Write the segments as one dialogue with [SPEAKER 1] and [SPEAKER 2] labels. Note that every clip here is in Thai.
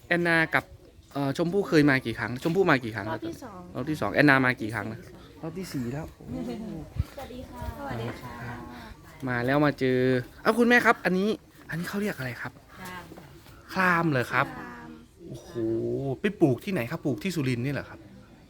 [SPEAKER 1] แอนนากับชมพู่เคยมากี่ครั้งชมพู่มากี่ครั้ง
[SPEAKER 2] รอ
[SPEAKER 1] แล้
[SPEAKER 2] บ
[SPEAKER 1] ว
[SPEAKER 2] ที่สอง
[SPEAKER 1] รอบที่สองแอนนามากี่ครั้งนะรอบที่สี่แล้วโอ้
[SPEAKER 2] สวัสดีค่ะสวัสดีค่ะ
[SPEAKER 1] มาแล้วมาเจอคุณแม่ครับ อันนี้เขาเรียกอะไรครับคลามเหรอครับโอ้โหไปปลูกที่ไหนครับปลูกที่สุรินทร์นี่เหรอครับ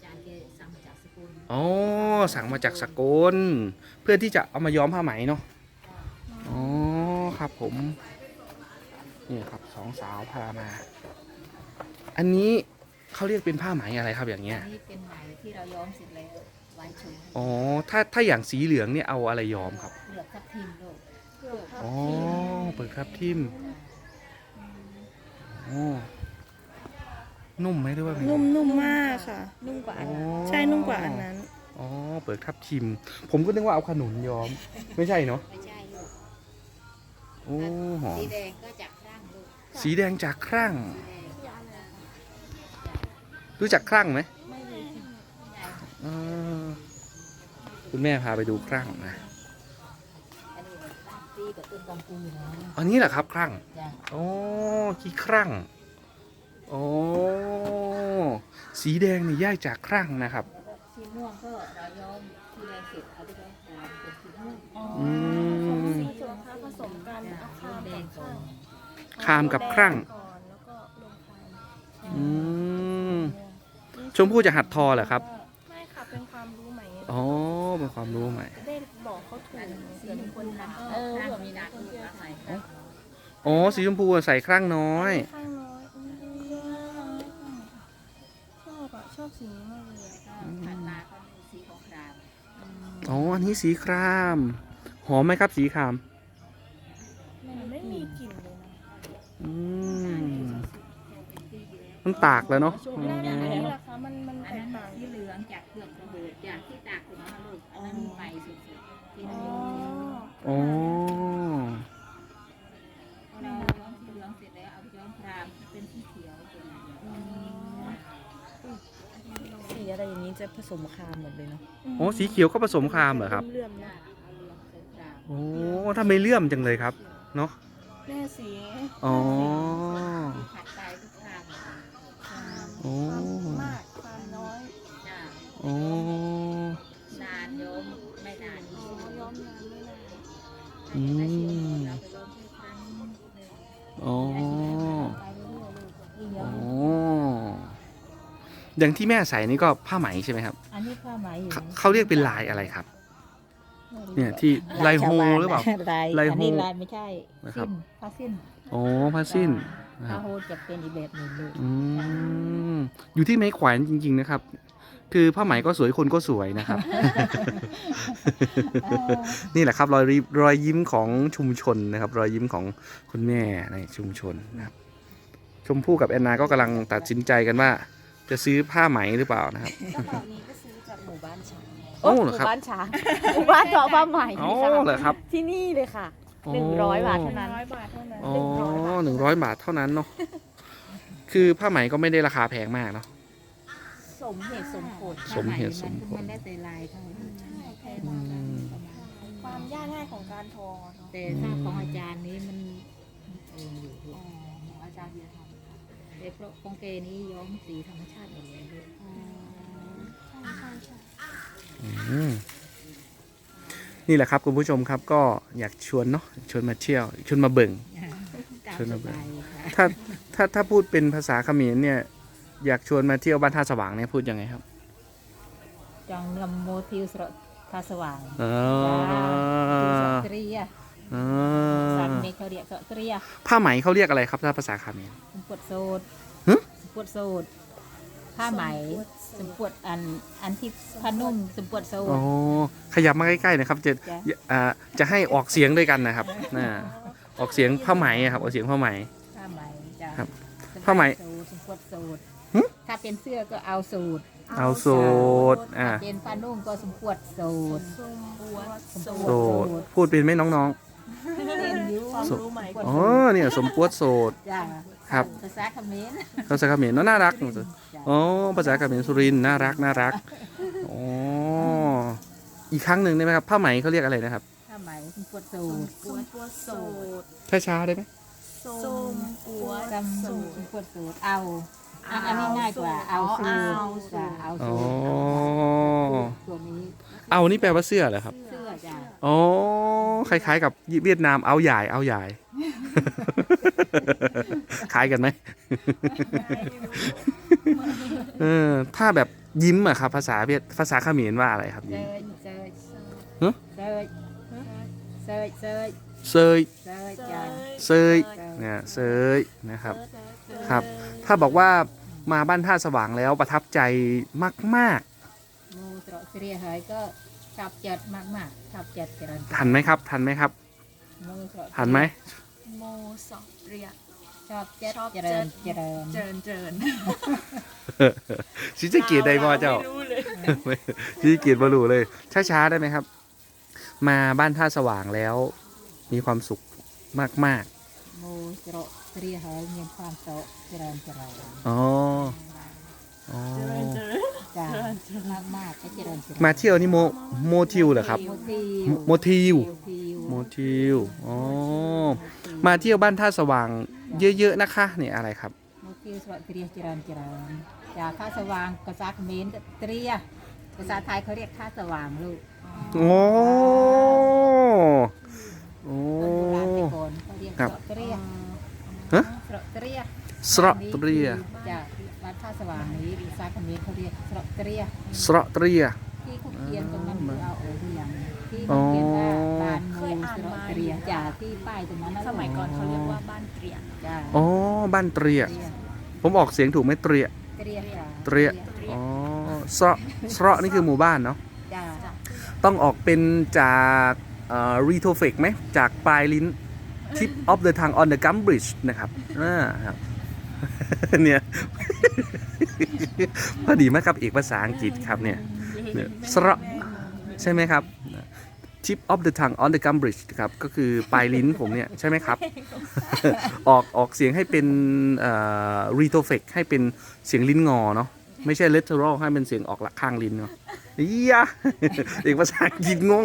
[SPEAKER 1] อ๋อสั่งมาจากสกลเพื่อที่จะเอามาย้อมผ้าไหมเนาะอ๋อครับผมนี่ครับสองสาวพามา อันนี้เขาเรียกเป็นผ้าไหมอะไรครับอย่างเงี้ย
[SPEAKER 3] นี่เป็นไหมที่เราย้อมเสร็จแล้วไว้ชม
[SPEAKER 1] อ๋อถ้าอย่างสีเหลืองเนี่ยเอาอะไรย้อมครับ
[SPEAKER 3] เหลือกทับทิมลูก
[SPEAKER 1] อ๋อเปิดครับทิมโอ้นุ่มไหมด้วยว่าไง
[SPEAKER 2] นุ่มมากค่ะ
[SPEAKER 3] นุ่มกว่าอัน
[SPEAKER 1] อ๋อ
[SPEAKER 3] นั้น
[SPEAKER 2] ใช่นุ่มกว่าอันนั้น
[SPEAKER 1] อ๋อเปิดครับทิม ผมก็นึกว่าเอาขนุนย้อม ไม่ใช่เนาะ
[SPEAKER 3] ไม่ใช่ลูก
[SPEAKER 1] โอ้หอม
[SPEAKER 3] สีแดงก็จากร่างลูก
[SPEAKER 1] สีแดงจากครั่ง
[SPEAKER 3] สีแดง
[SPEAKER 1] รู้จักครั่งไหม
[SPEAKER 2] ไม่เลย
[SPEAKER 1] เออคุณแม่พาไปดูครั่งนะ
[SPEAKER 3] อันนี้รากตีกับต้นกำปูนะ
[SPEAKER 1] อันนี้แหละครับครั่ง
[SPEAKER 3] จ้ะ
[SPEAKER 1] อ๋อขี้ครั่งอ๋อสีแดงนี่ย่ายจากครั่งนะครับ
[SPEAKER 3] สีม่วงก็เราย้อมสีแดงเสร็จเอาไปย้อมขาวเป็นสีม่วง
[SPEAKER 1] อืม
[SPEAKER 2] สีส่วนค้าผสมกันเอาข้าว
[SPEAKER 3] แด
[SPEAKER 2] กับ
[SPEAKER 3] งก่อ
[SPEAKER 2] ข้าวน
[SPEAKER 1] คามกับครั่ง
[SPEAKER 2] ก่อนแล้วก็ลงคาม
[SPEAKER 1] อืมชมพู่จะหัดทอเหรอครับ
[SPEAKER 2] ไม่ค่ะเป็นความรู้ใหม่
[SPEAKER 1] อ๋อเป็นความรู้ใหม่
[SPEAKER 2] จะได้บอกเขาถูก
[SPEAKER 3] สี
[SPEAKER 2] เผื่อมีคนถาม
[SPEAKER 3] เออเผื่อมีนักลูกนักใหม่
[SPEAKER 1] อ๋อสีชมพูใส่ครั่งน้อย
[SPEAKER 2] ข้างน้อยชอบอ่ะชอบสีนี้มากเลยอะ
[SPEAKER 3] ผ่านมาก็มีสีของคราม
[SPEAKER 1] อ๋ออันนี้สีครามหอมไหมครับสีคราม
[SPEAKER 2] มันไม่มีกลิ่นเลยนะ
[SPEAKER 1] อืมมันตากแล้วเนาะอื
[SPEAKER 2] อันนี้
[SPEAKER 1] ม
[SPEAKER 2] ราคามัน
[SPEAKER 3] อั
[SPEAKER 2] แต
[SPEAKER 3] น
[SPEAKER 2] ก
[SPEAKER 3] นั้น
[SPEAKER 2] ต่าง
[SPEAKER 3] สีเหลืองจากเครื่องระเบิดจากที่ตากถึงนะลูกอันนั้นใหม่สุดๆที่
[SPEAKER 2] อ๋
[SPEAKER 3] เรา
[SPEAKER 2] อ
[SPEAKER 3] ย้อม
[SPEAKER 1] อ๋อ
[SPEAKER 3] เราย้อมสีเหลืองเสร็จแล้วเอาไปย้อมครามเป็นสีเขียวเป็นอะไร
[SPEAKER 4] สีอะไรอย่างนี้จะผสมคามหมดเลยเนาะ
[SPEAKER 1] อ๋อสีเขียวก็ผสมครามเหรอครับ
[SPEAKER 2] เลื่อมๆนะ
[SPEAKER 3] เอาเหลืองใส่คราม
[SPEAKER 1] โอ้ถ้าไม่เลื่อมจังเลยครับเนาะ
[SPEAKER 2] แม่สี
[SPEAKER 1] อ๋อ
[SPEAKER 3] สีขาดตายทุกคราม
[SPEAKER 1] โอ้
[SPEAKER 2] ความมากความน้อย
[SPEAKER 3] จ้า
[SPEAKER 1] โอ้
[SPEAKER 3] นานย้อมไม่นาน
[SPEAKER 2] อ๋อย้อมนานไม่นาน
[SPEAKER 1] อืม
[SPEAKER 3] เราไปย้อมแค่ครั้งหนึ่ง
[SPEAKER 1] อ๋อ
[SPEAKER 3] ไปเรื่อยๆลูกยิ่งย้
[SPEAKER 1] อ๋
[SPEAKER 3] อ
[SPEAKER 1] อ
[SPEAKER 3] ม
[SPEAKER 1] อย่างที่แม่ใส่นี่ก็ผ้าไหมใช่ไหมครับ
[SPEAKER 3] อันนี้ผ้าไหมอยู่
[SPEAKER 1] เขาเรียกเป็นลายอะไรครับ เนี่ยที่ลายโฮหรือเปล่า
[SPEAKER 3] ลาย
[SPEAKER 1] ลายโฮ
[SPEAKER 3] อันนี้ลายไม่ใช่
[SPEAKER 1] นะครับ
[SPEAKER 3] สิ้นผ้าสิ้น
[SPEAKER 1] อ๋อผ้าสิ้นนะค
[SPEAKER 3] ผ้า
[SPEAKER 1] รับ
[SPEAKER 3] โฮจะเป็นอีกแบบหนึ่งลูก
[SPEAKER 1] อืมอยู่ที่ไม้แขวนจริง ๆนะครับ คือผ้าไหมก็สวยคนก็สวยนะครับ นี่แหละครับรอยยิ้มของชุมชนนะครับ รอยยิ้มของคุณแม่ในชุมชนนะครับ ชมพู่กับแอนนาก็กำลังตัดสินใจกันว่า จะซื้อผ้าไหมหรือเปล่านะครับ
[SPEAKER 4] กระเป๋านี้ก็ซื้อจากหมู่บ้านช้าง
[SPEAKER 1] โอ้
[SPEAKER 4] ห
[SPEAKER 1] เหรอ
[SPEAKER 4] มู่
[SPEAKER 1] ครับ
[SPEAKER 4] บ้านช้าง หมู่บ้านทอผ้าไหม
[SPEAKER 1] อ๋อ
[SPEAKER 4] ค่ะ
[SPEAKER 1] เหรอครับ
[SPEAKER 4] ที่นี่เลยค่ะ
[SPEAKER 1] อ๋อ
[SPEAKER 4] 100 บาทเท่านั้น
[SPEAKER 2] 100 บาทเท่านั้น
[SPEAKER 1] อ๋อ100 บาทเท่านั้นเนาะคือผ้าไหมก็ไม่ได้ราคาแพงมากเนาะ
[SPEAKER 4] สมเหตุสมผล
[SPEAKER 1] สมเหตุสมผล
[SPEAKER 3] มันได้แต่ลายเท่านั้น
[SPEAKER 1] อืม
[SPEAKER 2] ความยากง่ายของการทอเนาะ
[SPEAKER 3] แต่ถ้าของอาจารย์นี้มันเองอยู่ลูกของอาจารย์เบียร์ทำค่ะแต่เพราะของเกนี้ย้อมสีธรรมชาติหมดเลยลูก
[SPEAKER 1] อืมนี่แหละครับคุณผู้ชมครับก็อยากชวนเนาะชวนมาเที่ยวชวนมาเบิ่ง
[SPEAKER 3] ตาม
[SPEAKER 1] เชิญ
[SPEAKER 3] ส
[SPEAKER 1] เอาไป
[SPEAKER 3] บายค่ะ
[SPEAKER 1] ถ้าพูดเป็นภาษาเขมรเนี่ยอยากชวนมาเที่ยวบ้านท่าสว่างเนี่ยพูดยังไงครับ
[SPEAKER 3] จังนำโมทิวสระทาสว่าง
[SPEAKER 1] อ๋อ
[SPEAKER 3] ทิวสระเตรีย
[SPEAKER 1] อ๋อ
[SPEAKER 3] สันเมฆเขาเรียกสระเตรีย
[SPEAKER 1] ผ้าไหมเขาเรียกอะไรครับถ้าภาษาเขมร
[SPEAKER 3] สมปวดโสด
[SPEAKER 1] ฮะ
[SPEAKER 3] สมปวดโสดผ้าไหมสมปวดอันที่ผ้านุ่มสมปวดโส
[SPEAKER 1] อ๋อ
[SPEAKER 3] ด
[SPEAKER 1] ขยับมาใกล้ๆนะครับจะ
[SPEAKER 3] จ้ะ
[SPEAKER 1] จะให้ออกเสียงด้วยกันนะครับออกเสียงผ้าไหมอะครับออกเสียงผ้าไหม
[SPEAKER 3] ผ้าไหมจ้ะ
[SPEAKER 1] ครับ
[SPEAKER 3] สมปวด
[SPEAKER 1] ผ้าไหม
[SPEAKER 3] โสดสมปวดโสด
[SPEAKER 1] หึ
[SPEAKER 3] ถ้าเป็นเสื้อก็เอาสูตร
[SPEAKER 1] เอาโสด
[SPEAKER 3] ถ้าเป็นผ้านุ่มก็สมปวดโสด
[SPEAKER 2] ทรงบัว
[SPEAKER 1] โสดพูดเป็นไหมน้อง
[SPEAKER 3] เป็นอยู
[SPEAKER 2] ความรู้ใหม่
[SPEAKER 1] ๆอ๋อเนี่ยสมปวดโสด
[SPEAKER 3] จ้ะ
[SPEAKER 1] ครับ
[SPEAKER 3] ภาษาเขมร
[SPEAKER 1] ภาษาเขมรเนอะน่ารัก
[SPEAKER 3] จ้ะ
[SPEAKER 1] อ๋อภาษาเขมรสุรินทร์น่ารักน่ารักอ๋ออีกครั้งหนึ่งได้ไหมครับผ้าไหมเขาเรียกอะไรนะครับ
[SPEAKER 3] ผ้าไหมสมปวดโสด
[SPEAKER 2] สมบัวโสด
[SPEAKER 1] ช้าๆได้ไหม
[SPEAKER 2] สส้มปวด
[SPEAKER 3] จำสูตรปวดสูตรเอาอันนี้ง่ายกว่าเอาสูตรจ้ะเอา
[SPEAKER 1] อ๋อ
[SPEAKER 3] สูตรตัวนี้
[SPEAKER 1] เอานี่แปลว่าเสื้อเหรอครับ
[SPEAKER 3] เสื้อจ้ะ
[SPEAKER 1] อ๋อ คล้ายๆกับเวียดนามเอาใหญ่เอาใหญ่ คล้ายกันไหม ถ้าแบบยิ้มอะครับ ภาษาเขมรว่าอะไรครับ
[SPEAKER 3] เซ
[SPEAKER 1] ยิ้ม
[SPEAKER 3] ยเซย
[SPEAKER 1] ฮะ
[SPEAKER 3] เซยเซยเซย
[SPEAKER 1] เซย
[SPEAKER 3] เซยจ้ะ
[SPEAKER 1] เซยเนี่ยเซยนะครับ ครับ ถ้าบอกว่ามาบ้านท่าสว่างแล้วประทับใจมาก
[SPEAKER 3] มูตรเสียหายก็ชอบจัดมากๆชอบจัดเจริญ
[SPEAKER 1] ๆ ทันไหมครับ ทันไหมครับ
[SPEAKER 3] มูตร
[SPEAKER 1] ทันไหม
[SPEAKER 2] โมสอบเรีย
[SPEAKER 3] ชอบจัดเจริญเจริญ
[SPEAKER 2] เจริญเจริญ
[SPEAKER 1] ชิจะเกียรติใดบ่เจ้า
[SPEAKER 2] ไม่รู้เลย
[SPEAKER 1] ชิจะเกียรติบรูเลย ช้าๆได้ไหมครับ มาบ้านท่าสว่างแล้ว มีความสุขมาก
[SPEAKER 3] มูตรเสียหายมีความโตเจริญเจริญ
[SPEAKER 1] ๆ อ๋อ อ๋อ
[SPEAKER 2] เจริญเจริญ
[SPEAKER 3] จ้ามากๆก็เจริญเจริญ
[SPEAKER 1] มาเที่ยวนี่โมทิวเหรอครับ
[SPEAKER 3] โมทิว
[SPEAKER 1] โมทิว อ๋อ มาเที่ยวบ้านท่าสว่างเยอะๆนะคะนี่อะไรครับ
[SPEAKER 3] โมทิวสวัสดิ์เจริญเจริญจากข้าสว่างภาษาเขมรก็เตรียภาษาไทยเขาเรียกข้าสว่างลูก
[SPEAKER 1] โอ้ โอ้
[SPEAKER 3] คนโบราณแต่ก่อนเขาเรียก
[SPEAKER 1] ครับ
[SPEAKER 3] เตรีย
[SPEAKER 1] ฮะ
[SPEAKER 3] เตรีย
[SPEAKER 1] สระเตรีย
[SPEAKER 3] จากบ้านท่าสว่างนี้ภาษาเขมรเขาเรียกเตรีย
[SPEAKER 1] สระเตรีย
[SPEAKER 3] ที่เขาเขียนตรงนั้นคือเอาโอหรือยังที่เขาเขียนว่าบ้านมูสระเตรียจากที่ป้ายตรงนั้นนะ
[SPEAKER 2] สมัยก่อนเขาเรียกว่าบ้านเตรียน
[SPEAKER 3] จ้า
[SPEAKER 1] อ๋อ บ้านเตรีย ผมออกเสียงถูกไหมเตรีย
[SPEAKER 3] เตรียจ้า
[SPEAKER 1] เตรีย อ๋อสระนี่คือหมู่บ้านเนาะ
[SPEAKER 3] จ้า
[SPEAKER 1] ต้องออกเป็นจากรีโทเฟกไหม จากปลายลิ้น tip of the tongue on the gum bridge นะครับครับ เนี่ย พอดีมากครับเอกภาษาอังกฤษครับเนี่ยสระใช่ไหมครับ tip of the tongue on the gum bridge ครับ ก็คือปลายลิ้นผมเนี่ย ใช่ไหมครับ ออกเสียงให้เป็นรีโทเฟกให้เป็นเสียงลิ้นงอเนาะ ไม่ใช่ literal ให้เป็นเสียงออกหลักข้างลิ้นเนาะอียะ เอกภาษาอังกฤษงง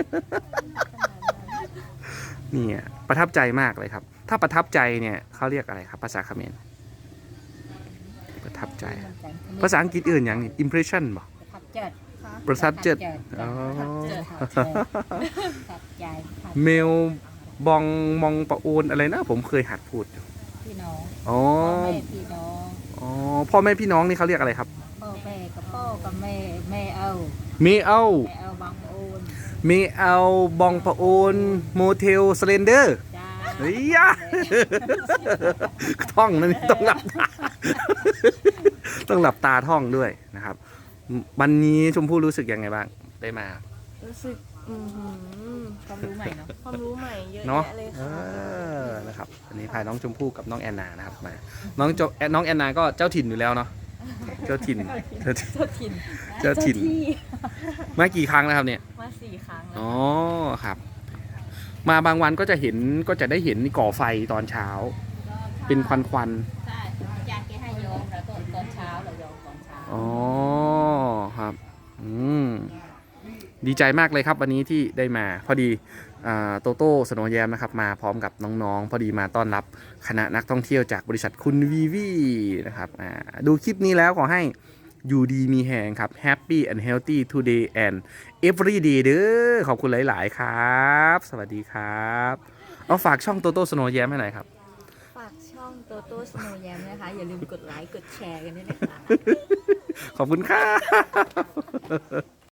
[SPEAKER 1] เนี่ยประทับใจมากเลยครับ ถ้าประทับใจเนี่ยเขาเรียกอะไรครับ ภาษาเขมรประทับใจ ภาษาอังกฤษอื่นอย่างนี้ impression บ่
[SPEAKER 3] ประทับใจ
[SPEAKER 1] ประทับใจอ๋อ
[SPEAKER 3] ประทับใจ
[SPEAKER 1] เมลบองมองปะโอนอะไรนะ ผมเคยหัดพูดอยู่
[SPEAKER 3] พี่น้อง
[SPEAKER 1] อ๋อ
[SPEAKER 3] พ่อแม่พี่น้อง
[SPEAKER 1] อ๋อพ่อแม่พี่น้องนี่เขาเรียกอะไรครับ
[SPEAKER 3] พ่อแม่กับพ่อกับแม่แม่เอา
[SPEAKER 1] เมเอา
[SPEAKER 3] แม่เอาบางโอน
[SPEAKER 1] เมเอาบองปะโอนโมเทลสเลนเดอร์
[SPEAKER 3] จ้า
[SPEAKER 1] เฮ้ยยะ ท่องนั่นต้องหลับตา ต้องหลับตาท่องด้วยนะครับ วันนี้ชมพู่รู้สึกยังไงบ้างได้มา
[SPEAKER 2] รู้สึก
[SPEAKER 3] ความรู้ใหม่เนาะ
[SPEAKER 2] ความรู้ใหม่เยอะ
[SPEAKER 1] เนาะ
[SPEAKER 2] แยะเลย
[SPEAKER 1] เอ
[SPEAKER 2] ค่ะ
[SPEAKER 1] อนะครับวันนี้พาน้องชมพู่กับน้องแอนนานะครับมาน้องแอนนาก็เจ้าถิ่นอยู่แล้วเนาะเจ้าถิ่นเจ้าถิ่นเจ้าถิ่นมากี่ครั้งแล้วครับเนี่ย
[SPEAKER 2] มา4 ครั้งแล้ว
[SPEAKER 1] อ๋อครับ มาบางวันก็จะได้เห็นก่อไฟตอนเช้า เป็นควัน
[SPEAKER 3] ใช่อาจารย์แกให้โยมแล้วก็ตอนเช้าเราโยมตอนเช้า
[SPEAKER 1] ๆอ๋อครับดีใจมากเลยครับวันนี้ที่ได้มาพอดีโตโต้สโนว์แยมนะครับมาพร้อมกับน้องๆ พอดีมาต้อนรับคณะนักท่องเที่ยวจากบริษัทคุณวีวีนะครับดูคลิปนี้แล้วขอให้อยู่ดีมีแหงครับ Happy and Healthy today and every day เด้อขอบคุณหลายๆครับ สวัสดีครับเอาฝากช่องโตโต้สโนว์แยมให้หน่อยครับ
[SPEAKER 4] ฝากช่องโตโต้สโนว์แยมนะคะ อย่าลืมกดไลค์ กดแชร์กันด้วยนะคะ
[SPEAKER 1] ขอบคุณครับ